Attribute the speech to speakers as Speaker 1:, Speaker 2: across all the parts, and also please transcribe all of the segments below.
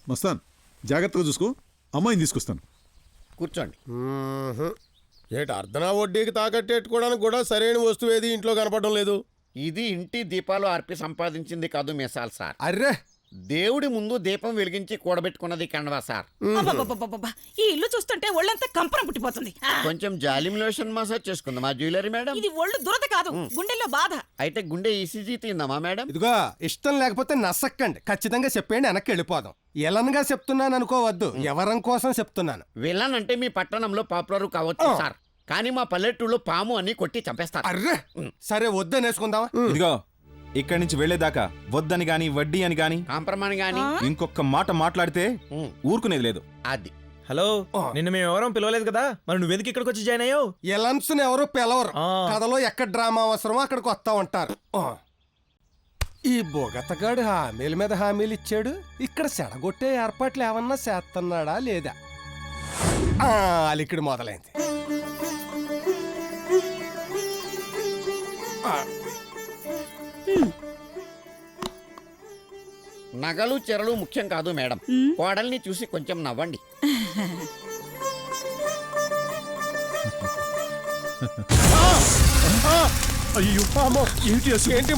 Speaker 1: మస్తాన్ జాగ్రత్తగా చూసుకో, అమ్మాయిని తీసుకొస్తాను.
Speaker 2: కూర్చోండి.
Speaker 3: ఏటి అర్ధనా వడ్డీకి తాకట్టెట్టుకోవడానికి కూడా సరైన వస్తువు ఏది ఇంట్లో కనపడడం లేదు.
Speaker 2: ఇది ఇంటి దీపాలు ఆర్పి సంపాదించింది కాదు మిసాల్ సార్.
Speaker 3: అర్రే,
Speaker 2: దేవుడి ముందు దీపం వెలిగించి కూడబెట్టుకున్నది కండవా సార్.
Speaker 4: అబ్బబ్బబ్బబ్బబ్బ! ఈ ఇల్లు చూస్తుంటే ఒళ్ళంతా కంపరం పుట్టిపోతుంది.
Speaker 2: కొంచెం జాలిం లోషన్ మసాజ్ చేసుకుందామా జ్యువెలరీ మేడం?
Speaker 4: ఇది ఒళ్ళు దురద కాదు, గుండెల్లో బాధ.
Speaker 2: అయితే గుండె ఈసీజీ తీందామా మేడం?
Speaker 5: ఇదిగో ఇష్టం లేకపోతే నసక్కండి, ఖచ్చితంగా చెప్పేయండి, వెనక్కి వెళ్ళిపోదాం. ఎలన్గా చెప్తున్నాను అనుకోవద్దు, ఎవరం కోసం చెప్తున్నాను.
Speaker 2: విలన్ అంటే మీ పట్టణంలో పాపులర్ కావచ్చు సార్, కానీ మా పల్లెటూళ్ళలో పాము అని కొట్టి చంపేస్తారు.
Speaker 5: అర్రే, సరే వద్దనేసుకుందామా?
Speaker 6: ఇదిగో ఇక్కడి నుంచి వెళ్లేదాకా వద్దని గాని వడ్డీ అని గాని
Speaker 2: కాంప్రమాణ్ గాని
Speaker 6: ఇంకొక మాట మాట్లాడితే ఊరుకునేది లేదు.
Speaker 2: అది
Speaker 7: హలో, నిన్ను మేము ఎవరో పిలవలేదు కదా, మరి నువ్వెందుకు ఇక్కడికి వచ్చి జాయిన్ అయ్యావు?
Speaker 5: ఎలన్స్ ఎవరు పిలవరు, కథలో ఎక్కడ డ్రామా అవసరమో అక్కడికి వస్తా ఉంటారు. ఈ బొగతగాడు హామీల మీద హామీలు ఇచ్చాడు, ఇక్కడ సెడగొట్టే ఏర్పాట్లు ఏమన్నా చేస్తున్నాడా లేదా? అలికిడి మొదలైంది.
Speaker 2: నగలు చెరలు ముఖ్యం కాదు మేడం, కోడల్ని చూసి కొంచెం నవ్వండి.
Speaker 5: ఏంటి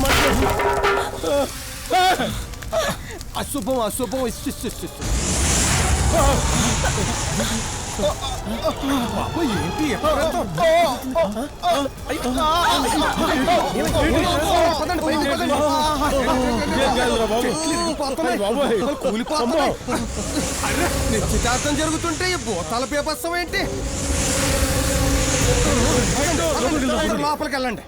Speaker 5: అశుభం అశుభం. ఏంటి నిశ్చితార్థం జరుగుతుంటే ఈ భూతాల పేపత్సం ఏంటి? లోపలికి వెళ్ళండి.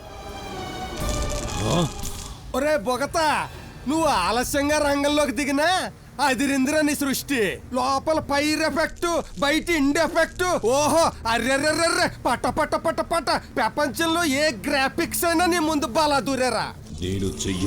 Speaker 5: ఒరే బొగతా, నువ్వు ఆలస్యంగా రంగంలోకి దిగినా అదిరింద్ర నీ సృష్టి. లోపల పైర్ ఎఫెక్ట్, బయట ఇండ్ ఎఫెక్ట్. ఓహో, అర్రెర్రెర్రె, పట పట పట పట. ప్రపంచంలో ఏ గ్రాఫిక్స్ అయినా నీ ముందు బాలా దూరేరా.
Speaker 8: నేను చెయ్యి